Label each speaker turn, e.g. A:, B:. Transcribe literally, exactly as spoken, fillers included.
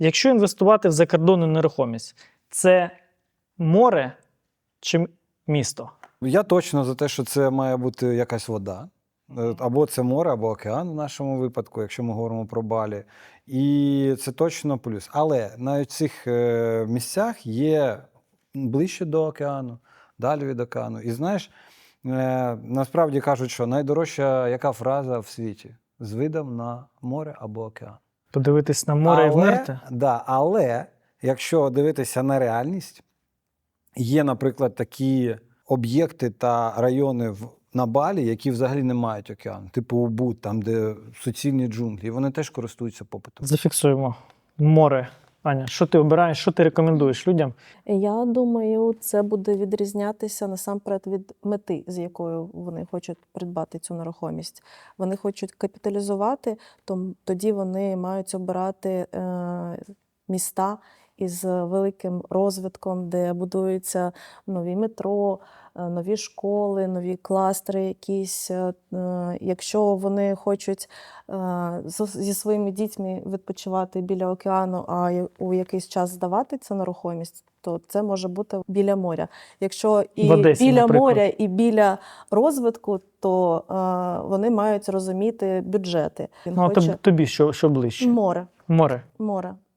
A: Якщо інвестувати в закордонну нерухомість, це море чи місто?
B: Я точно за те, що це має бути якась вода. Або це море, або океан в нашому випадку, якщо ми говоримо про Балі. І це точно плюс. Але навіть в цих е, місцях є ближче до океану, далі від океану. І знаєш, е, насправді кажуть, що найдорожча яка фраза в світі? З видом на море або океан.
A: Подивитись на море
B: але,
A: і вмерти?
B: Да, але якщо дивитися на реальність, є, наприклад, такі об'єкти та райони в на Балі, які взагалі не мають океану, типу Убуд, там, де суцільні джунглі, і вони теж користуються попитом.
A: Зафіксуємо. Море. Аня, що ти обираєш, що ти рекомендуєш людям?
C: Я думаю, це буде відрізнятися насамперед від мети, з якою вони хочуть придбати цю нерухомість. Вони хочуть капіталізувати, то тоді вони мають обирати е, міста із великим розвитком, де будуються нові метро, нові школи, нові кластери якісь. Якщо вони хочуть зі своїми дітьми відпочивати біля океану, а у якийсь час здавати цю нерухомість, то це може бути біля моря. Якщо і
A: Одесі,
C: біля
A: наприклад.
C: моря, і біля розвитку, то е, вони мають розуміти бюджети. Він
A: Ну, а
C: хоче...
A: тоб- тобі що, що ближче?
C: Море.
A: Море.
C: Море.